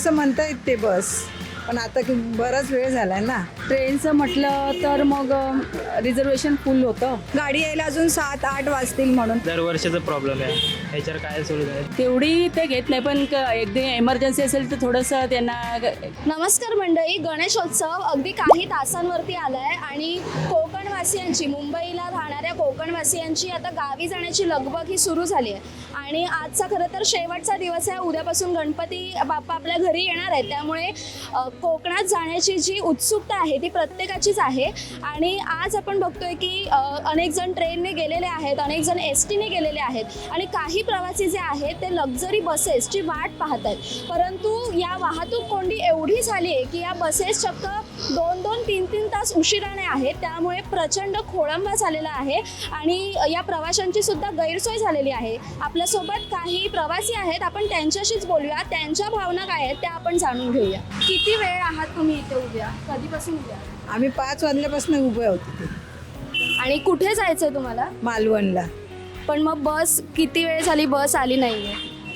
असं म्हणतायत ते बस, पण आता की बराच वेळ झालाय ना. ट्रेनचं म्हटलं तर मग रिझर्वेशन फुल होतं. गाडी यायला अजून 7-8 वाजतील म्हणून. दरवर्षीचा प्रॉब्लेम आहे, ह्याच्यावर काय सोल्युशन आहे? तेवढी ते घेत नाही, पण एकदा एमर्जन्सी असेल तर थोडंसं त्यांना. नमस्कार मंडळी, गणेशोत्सव अगदी काही तासांवरती आलाय आणि कोकणवासियांची, मुंबईला राहणाऱ्या कोकणवासियांची आता गावी जाण्याची लगबग ही सुरू झाली आहे. आणि आजचा खरं तर शेवटचा दिवस आहे. उद्यापासून गणपती बाप्पा आपल्या घरी येणार आहेत, त्यामुळे कोकणात जाण्याची जी उत्सुकता आहे ती प्रत्येकाचीच आहे. आणि आज आपण बघतोय की अनेक जण ट्रेनने गेलेले आहेत, अनेक जण STने गेलेले आहेत आणि काही प्रवासी जे आहेत ते लक्झरी बसेसची वाट पाहत आहेत. परंतु या वाहतूक कोंडी एवढी झाली आहे की या बसेस चक्क 2-2, 3-3 तास उशिराने आहेत. त्यामुळे प्रचंड खोळंबा झालेला आहे आणि या प्रवाशांची सुद्धा गैरसोय झालेली आहे. आपल्यासोबत काही प्रवासी आहेत, आपण त्यांच्याशीच बोलूया, त्यांच्या भावना काय आहेत त्या आपण जाणून घेऊया. किती वेळ आहात तुम्ही इथे उद्या? कधीपासून उद्या? आम्ही 5 वाजल्यापासून उभे होतो ते आणि कुठे जायचं आहे तुम्हाला? मालवणला. पण मग बस किती वेळ झाली बस आली नाहीये?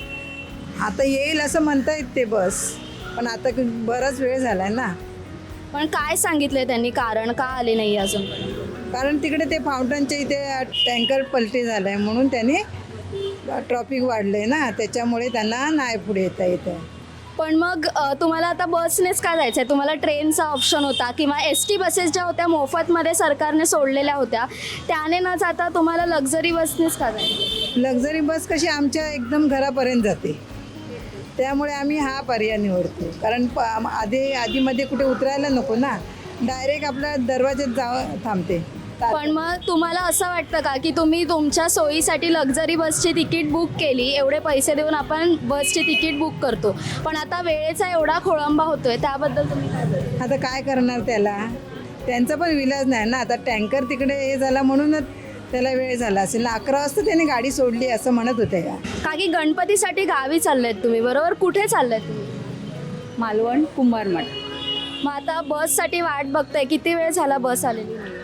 आता येईल असं म्हणतायत ते बस, पण आता की बराच वेळ झालाय ना. पण काय सांगितलंय त्यांनी, कारण का आले नाही अजून? कारण तिकडे ते फाउंटनच्या इथे टँकर पलटी झालाय म्हणून त्याने ट्रॉफिक वाढलंय ना, त्याच्यामुळे त्यांना नाही पुढे येता येतं. पण मग तुम्हाला आता बसनेच का जायचं आहे? तुम्हाला ट्रेनचा ऑप्शन होता किंवा ST बसेस ज्या होत्या मोफतमध्ये सरकारने सोडलेल्या होत्या, त्याने न जाता तुम्हाला लक्झरी बसनेच का जायचं? लक्झरी बस कशी आमच्या एकदम घरापर्यंत जाते, त्यामुळे आम्ही हा पर्याय निवडतो. कारण आधीमध्ये कुठे उतरायला नको ना, डायरेक्ट आपल्या दरवाज्यात थांबते. पण मग तुम्हाला असं वाटतं का की तुम्ही तुमच्या सोयीसाठी लक्झरी बसची तिकीट बुक केली, एवढे पैसे देऊन आपण बसची तिकीट बुक करतो, पण आता वेळेचा एवढा खोळंबा होतोय, त्याबद्दल तुम्ही काय बोलता? आता काय करणार त्याला, त्यांचा पण विलाज नाही ना. आता टँकर तिकडे हे झाला म्हणूनच त्याला वेळ झाला असेल ना. 11 वाजता त्याने गाडी सोडली असं म्हणत होते का. का की गणपतीसाठी गावी चाललेत तुम्ही, बरोबर? कुठे चाललेत तुम्ही? मालवण कुंभारमठ. मग आता बससाठी वाट बघताय, किती वेळ झाला बस आलेली नाही?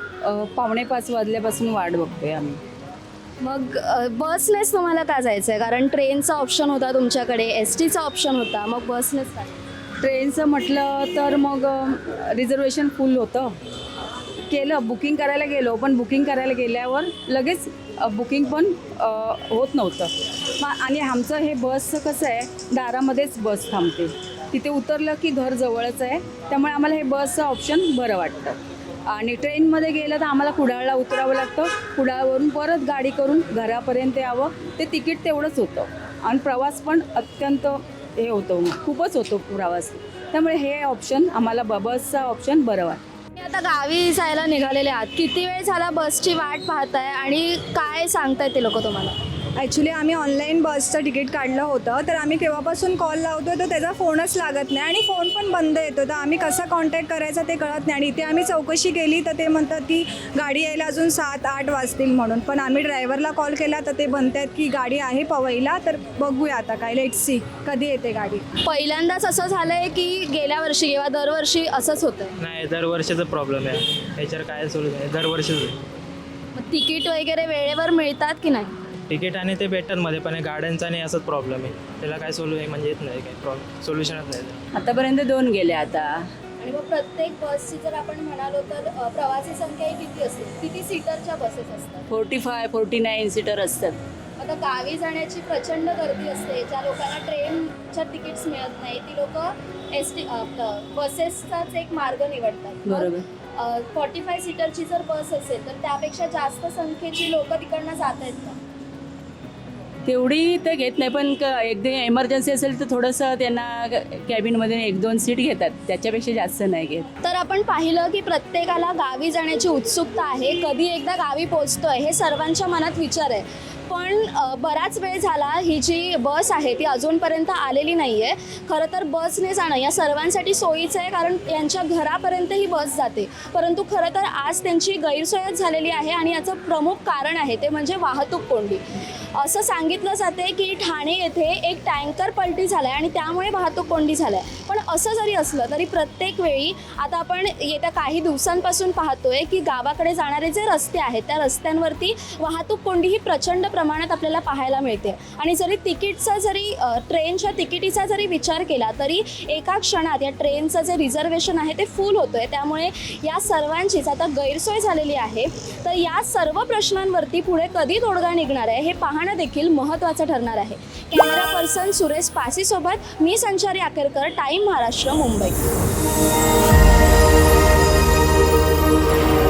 4:45 वाजल्यापासून वाट बघतोय आम्ही. मग बसनेच तुम्हाला का जायचं आहे? कारण ट्रेनचा ऑप्शन होता तुमच्याकडे, STचा ऑप्शन होता, मग बसनेच का? ट्रेनचं म्हटलं तर मग रिझर्वेशन फुल होतं. केलं, बुकिंग करायला गेलो, पण बुकिंग करायला गेल्यावर लगेच बुकिंग पण होत नव्हतं. आणि आमचं हे बसचं कसं आहे, दारामध्येच बस थांबते, तिथे उतरलं की घर जवळच आहे, त्यामुळे आम्हाला हे बसचं ऑप्शन बरं वाटतं. आणि ट्रेनमध्ये गेलं तर आम्हाला कुडाळला उतरावं लागतं, कुडाळवरून परत गाडी करून घरापर्यंत यावं. ते तिकीट तेवढंच होतं आणि प्रवास पण अत्यंत हे होतं, खूपच होतो प्रवास. त्यामुळे हे ऑप्शन आम्हाला बसचा ऑप्शन बरं वाटतं. आता गावी जायला निघालेले आहात, किती वेळ झाला बसची वाट पाहताय आणि काय सांगताय ते लोक तुम्हाला? ॲक्च्युली आम्ही ऑनलाईन बसचं तिकीट काढलं होतं, तर आम्ही केव्हापासून कॉल लावतो तर त्याचा फोनच लागत नाही आणि फोन पण बंद येतो, तर आम्ही कसा कॉन्टॅक्ट करायचा ते कळत नाही. आणि इथे आम्ही चौकशी केली तर ते म्हणतात की गाडी यायला अजून 7-8 वाजतील म्हणून. पण आम्ही ड्रायव्हरला कॉल केला तर ते म्हणतात की गाडी आहे पवईला, तर बघूया आता काय, लेट्स सी कधी येते गाडी. पहिल्यांदाच असं झालंय की गेल्या वर्षी किंवा दरवर्षी असंच होतं? नाही, दरवर्षीचा प्रॉब्लेम आहे, ह्याच्यावर काय सोल्युशन आहे? दरवर्षीच मग तिकीट वगैरे वेळेवर मिळतात की नाही? तिकीट आणि ते भेटतमध्ये पण गाड्यांचा आणि असंच प्रॉब्लेम आहे, त्याला काय म्हणजे येत नाही, काय सोल्युशनच नाही. आतापर्यंत 2 गेले आता. आणि मग प्रत्येक बसची जर आपण म्हणालो तर प्रवासी संख्या ही किती असते? किती सीटरच्या बसेस असतात? 45-49 सीटर असतात. आता गावी जाण्याची प्रचंड गर्दी असते, ज्या लोकांना ट्रेनच्या तिकीट्स मिळत नाही ती लोक ST बसेसचाच एक मार्ग निवडतात. बरोबर. 45 सीटरची जर बस असेल तर त्यापेक्षा जास्त संख्येची लोक तिकडनं जात आहेत का? तेवढी ते घेत नाही, पण एकदा एमर्जन्सी असेल तर थोडंसं त्यांना कॅबिनमध्ये 1-2 सीट घेतात, त्याच्यापेक्षा जास्त नाही घेत. तर आपण पाहिलं की प्रत्येकाला गावी जाण्याची उत्सुकता आहे, कधी एकदा गावी पोहोचतोय हे सर्वांच्या मनात विचार आहे. पण बराच वेळ झाला ही जी बस आहे ती अजूनपर्यंत आलेली नाही आहे. खरं तर बसने जाणं या सर्वांसाठी सोयीचं आहे, कारण यांच्या घरापर्यंत ही बस जाते. परंतु खरं तर आज त्यांची गैरसोयच झालेली आहे आणि याचं प्रमुख कारण आहे ते म्हणजे वाहतूक कोंडी. असं सांगितलं जाते की ठाणे येथे एक टँकर पलटी झाला आहे आणि त्यामुळे वाहतूक कोंडी झालं आहे. पण असं जरी असलं तरी प्रत्येक वेळी आता आपण येत्या काही दिवसांपासून पाहतोय की गावाकडे जाणारे जे रस्ते आहेत त्या रस्त्यांवरती वाहतूक कोंडी ही प्रचंड प्रमाणात आपल्याला पाहायला मिळते. आणि जरी ट्रेनच्या तिकिटीचा जरी विचार केला तरी एका क्षणात या ट्रेनचं जे रिझर्वेशन आहे ते फुल होतं आहे. त्यामुळे या सर्वांचीच आता गैरसोय झालेली आहे. तर या सर्व प्रश्नांवरती पुढे कधी तोडगा निघणार आहे हे पाहणं देखील महत्त्वाचं ठरणार आहे. कॅमेरा पर्सन सुरेश पासीसोबत मी संचारी आकेरकर, टाइम महाराष्ट्र, मुंबई.